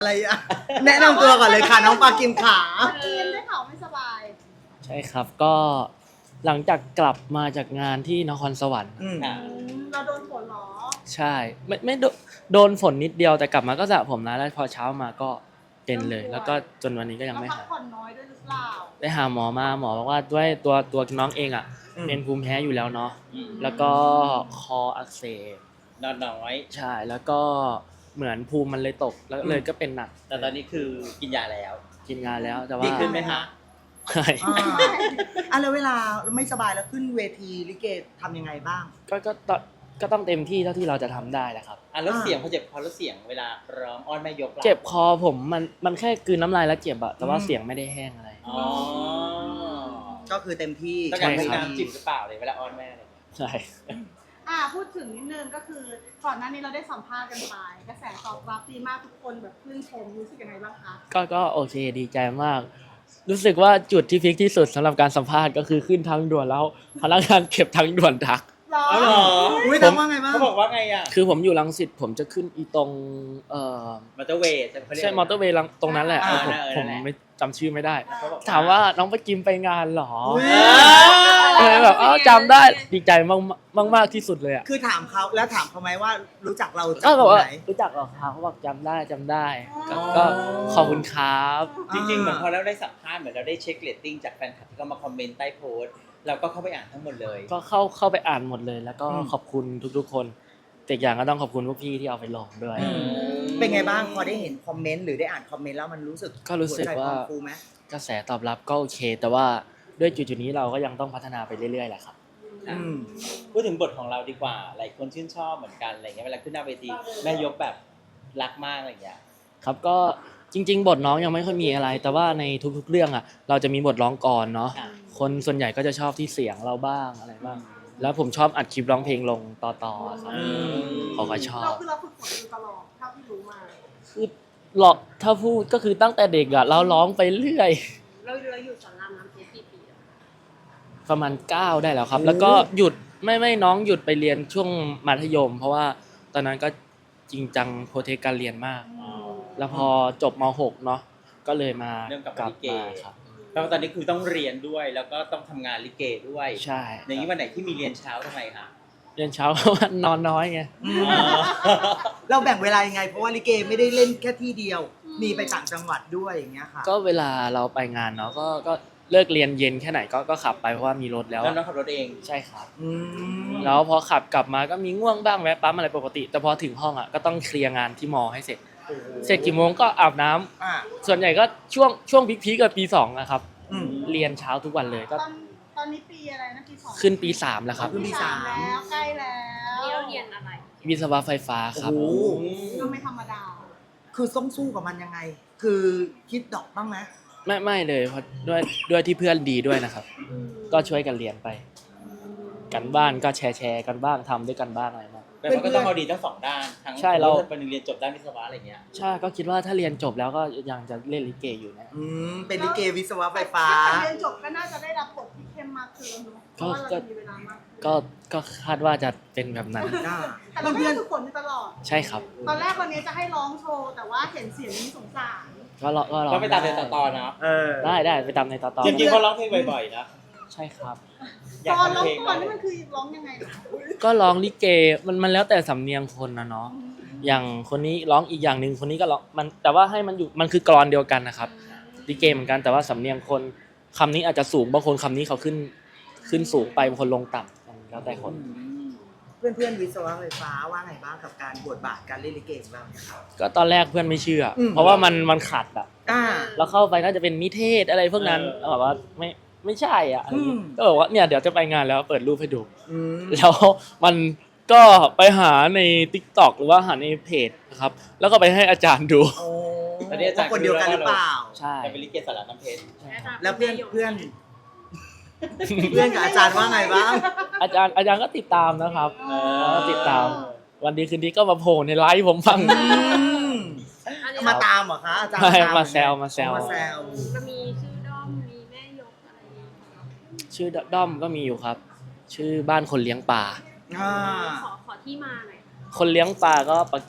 อะไรอะแนะนำตัวก่อนเลยค่ะน้องปากิมขากินได้ข่าวไม่สบายใช่ครับก็หลังจากกลับมาจากงานที่นครสวรรค์เราโดนฝนเหรอใช่ไม่โดนฝนนิดเดียวแต่กลับมาก็สระผมนะแล้วพอเช้ามาก็เป็นเลย แล้วก็จนวันนี้ก็ยังเราไม่พักหายผ่อนน้อยด้วยหรือเปล่าได้หาหมอมาหมอบอกว่าด้วยตัวน้องเองอ่ะเป็นภูมิแพ้อยู่แล้วเนาะแล้วก็คออักเสบนอนน้อยใช่แล้วก็เหมือนภูมิมันเลยตกแล้วเลยก็เป็นหนักแต่ตอนนี้คือกินยาแล้วกินงานแล้วแต่ว่าดีขึ้นไหมฮะใช่แล้วเวลาไม่สบายแล้วขึ้นเวทีลิเกทำยังไงบ้างก็ต้องเต็มที่เท่าที่เราจะทำได้แหละครับแล้วเสียงพอเจ็บคอแล้วเสียงเวลาร้องอ้อนแม่ยกล่ะเจ็บคอผมมันแค่กลืนน้ำลายแล้วเจ็บอะแต่ว่าเสียงไม่ได้แห้งอะไรอ๋อก็คือเต็มที่ต้องการใช่มีครับน้ำจิ้มหรือเปล่าเลยเวลาอ้อนแม่อะไรอย่างเงี้ยใช่พูดถึงนิดนึงก็คือก่อนหน้านี้เราได้สัมภาษณ์กันไปกระแสตอบรับดีมากทุกคนแบบชื่นชมรู้สึกยังไงบ้างคะก็โอเคดีใจมาก รู้สึกว่าจุดที่พีคที่สุดสำหรับการสัมภาษณ์ก็คือขึ้นทางด่วนแล้วพนักงานเก็บทางด่วนทักหรออ๋อเหรออุ้ยทำว่าไงบ้างเขาบอกว่าไงอ่ะคือผมอยู่รังสิตผมจะขึ้นอีตรงมอเตอร์เวย์เขาเรียกใช่มอเตอร์เวย์ตรงนั้นแหละอ่าผมนั่นแหละไม่จำชื่อไม่ได้เขาบอกถามว่าน้องไปกิมไปงานเหรออุ๊ยเลยแบบจำได้ดีใจมากที่สุดเลยอ่ะคือถามเขาแล้วถามเขาไหมว่ารู้จักเราจากก็บอกตรงว่าไหนรู้จักเหรอครับเขาบอกจำได้ก็ขอบคุณครับจริงๆเหมือนพอเราได้สัมภาษณ์เหมือนเราได้เช็คเรตติ้งจากแฟนคลับที่เขามาคอมเมนต์ใต้โพสต์เราก็เข้าไปอ่านทั้งหมดเลยก็เข้าไปอ่านหมดเลย แล้วก็ขอบคุณทุกๆคนแต่อีกอย่างก็ต้องขอบคุณพวกพี่ที่เอาไปลงด้วยเป็นไงบ้างพอได้เห็นคอมเมนต์หรือได้อ่านคอมเมนต์แล้วมันรู้สึกก็รู้สึกว่าหัใจพองฟูไหมกระแสตอบรับก็โอเค แต่ว่าด้วยจุดๆนี้เราก็ยังต้องพัฒนาไปเรื่อยๆแหละครับพูดถึงบทของเราดีกว่าหลายคนชื่นชอบเหมือนกันอะไรเงี้ยเวลาขึ้นหน้าเวทีแม่ยกแบบรักมากอะไรอย่างเงี้ยครับก็จริงๆ บทน้องยังไม่ค่อยมีอะไร แต่ว่าในทุกๆเรื่องอ่ะเราจะมีบทร้องก่อนเนาะค่ะคนส่วนใหญ่ก็จะชอบที่เสียงเราบ้างอะไรบ้างแล้วผมชอบอัดคลิปร้องเพลงลงต่อๆครับเขาก็ชอเราบคือเราฝึกฝนอยู่ตลอดเท่าที่รู้มาคือหลอกถ้าพูดก็คือตั้งแต่เด็กอ่ะเราร้องไปเรื่อยเราอยู่สอนรามน้ำเพชรกี่ปีแล้วประมาณ9ได้แล้วครับ แล้วก็หยุดไม่น้องหยุดไปเรียนช่วงมัธยม เพราะว่าตอนนั้นก็จริงจังโปรเทคการเรียนมาก แล้วพอจบม.6 เนาะก็เลยมาเริ่มกลับกมาลับลิเกมาครับแล้วตอนนี้คือต้องเรียนด้วยแล้วก็ต้องทำงานลิเกด้วยใช่อย่างนี้วันไหนที่มีเรียนเช้าทำไมคะเรียนเช้า เพราะว่านอนน้อยไงเราแบ่งเวลายังไงเพราะว่าลิเกไม่ได้เล่นแค่ที่เดียว มีไปต่างจังหวัดด้วยอย่างเงี้ยค่ะก็เวลาเราไปงานเนาะก็เลิกเรียนเย็นแค่ไหนก็ขับไปเพราะว่ามีรถแล้วแล้วน้องขับรถเองใช่ครับอืมแล้วพอขับกลับมาก็มีง่วงบ้างแวะปั๊มอะไรปกติ แต่พอถึงห้องอ่ะก็ต้องเคลียร์งานที่มอให้เสร็จ เสร็จกี่โมงก็อาบน้ำอ่าส่วนใหญ่ก็ช่วงพีคๆกับปี2นะครับอืมเรียนเช้าทุกวันเลยก็ตอนนี้ปีอะไรนะปี 2 ขึ้นปี3แล้วครับขึ้นปีสามแล้วใกล้แล้วนี่เราเรียนอะไรวิศวะไฟฟ้าครับโอ้โหก็ไม่ธรรมดาคือต้องสู้กับมันยังไง คือคิดดอกบ้างไหมไม่เลยเพราะด้วยที่เพื่อนดีด้วยนะครับ ก็ช่วยกันเรียนไป กันบ้านก็แชร์กันบ้างทำด้วยกันบ้างอะไรบ้างแต่มันก็ต้องเอาดีทั้งสองด้านทั้งใช่เราเป็นเรียนจบด้านวิศวะอะไรเงี้ยใช่ก็คิดว่าถ้าเรียนจบแล้วก็ยังจะเล่นลิเกอยู่นะเป็นลิเกวิศวะไฟฟ้าถ้เรียนจบก็น่าจะได้รับบทที่เข้มมากขึ้นเนอะเพราะว่าเราจะมีเวลามากขึ้นก็คาดว่าจะเป็นแบบนั้นแต่เราไม่ได้ฝึกฝนอยู่ตลอดใช่ครับตอนแรกวันนี้จะให้ร้องโชว์แต่ว่าเห็นเสียงนี้สงสารก็รอก็ไปตามเรียนต่อๆเนาะได้ไปตามในต่อจริงๆเขาร้องเพลงบ่อยๆนะใช่ครับอยากตอนร้องทำเพลงก่อนนี่มันคือร้องยังไงเหรอก็ร้องลิเกมันแล้วแต่สำเนียงคนนะเนาะอย่างคนนี้ร้องอีกอย่างหนึ่งคนนี้ก็ร้องมันแต่ว่าให้มันอยู่มันคือกลอนเดียวกันนะครับลิเกเหมือนกันแต่ว่าสำเนียงคนคำนี้อาจจะสูงบางคนคำนี้เขาขึ้นสูงไปบางคนลงต่ำมันแล้วแต่คนเพื่อนๆวิศวะไฟฟ้าว่าไงบ้างกับการบทบาทการเล่นลิเกของเราเนี่ยครับก็ตอนแรกเพื่อนไม่เชื่ออเพราะว่ามันขัดอ่ะอ่าแล้วเข้าไปน่าจะเป็นนิเทศอะไรพวกนั้นแบบว่าไม่ใช่อ่ะอะไรอย่างงี้อืมก็บอกว่าเนี่ยเดี๋ยวจะไปงานแล้วเปิดรูปให้ดูอืมแล้วมันก็ไปหาใน TikTok หรือว่าหาในเพจนะครับแล้วก็ไปให้อาจารย์ดูโอ้ตอนนี้อาจารย์คนเดียวกันหรือเปล่าใช่แต่เป็นลิเกสารน้ำเพชรแล้วเพื่อนกับอาจารย์ว่าไงบ้างอาจารย์ก็ติดตามนะครับก็ติดตามวันดีคืนดีก็มาโผล่ในไลฟ์ผมฟังอันนี้มาตามเหรอคะอาจารย์ใช่ตมาแซวมาแซวมันมีชื่อด้อม มีแม่ยกอะไรอย่างเงี้ยชื่อด้อมก็มีอยู่ครับ ชื่อบ้านคนเลี้ยงปลาอ่าขอที่มาหน่อยคนเลี้ยงปลาก็ปลากิม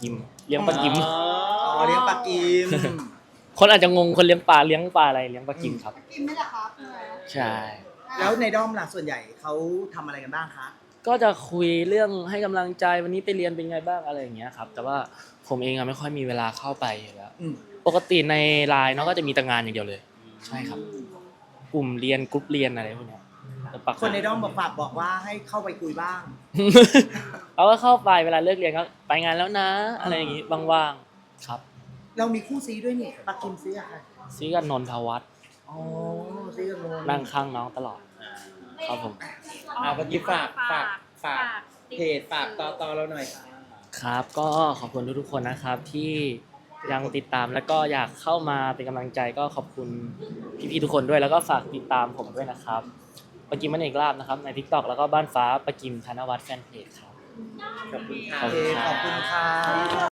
เลี้ยงปลากิมอ๋อเลี้ยงปลากิมคนอาจจะงงคนเลี้ยงปลาอะไรเลี้ยงปลากิมครับกินไหมล่ะครับใช่แล้วในด้อมล่ะส่วนใหญ่เขาทำอะไรกันบ้างคะก็จะคุยเรื่องให้กำลังใจวันนี้ไปเรียนเป็นไงบ้างอะไรอย่างเงี้ยครับ แต่ว่าผมเองอะไม่ค่อยมีเวลาเข้าไปอยู่แล้วอืมปกติในไลน์เนาะก็จะมีแต่งานอย่างเดียวเลย ใช่ครับ กลุ่มเรียนกรุ๊ปเรียนอะไรพวกเนี้ยแต่ปักคนในด้อมฝากบอกว่าให้เข้าไปคุยบ้างเราก็เข้าไปเวลาเลิกเรียนก็ไปงานแล้วนะ อะไรอย่างงี้ว่างๆครับเรามีคู่ซีด้วยนี่ปลากิมซีอะค่ะซีกับนนทวัฒน์อ๋อซีกันโนนั่งข้างน้องตลอด ครับผมเมื่อกี้ฝากเพจฝากต่อเราหน่อยค่ะครับก็ขอบคุณทุกๆคนนะครับที่ยังติดตามแล้วก็อยากเข้ามาเป็นกำลังใจก็ขอบคุณพี่ๆทุกคนด้วยแล้วก็ฝากติดตามผมด้วยนะครับปะกิมมันเอกลาบนะครับใน TikTok แล้วก็บ้านฟ้าปะกิมธนวัฒน์แฟนเพจครับขอบคุณค่ะขอบโอคุเคณครับขอบคุณค่ะ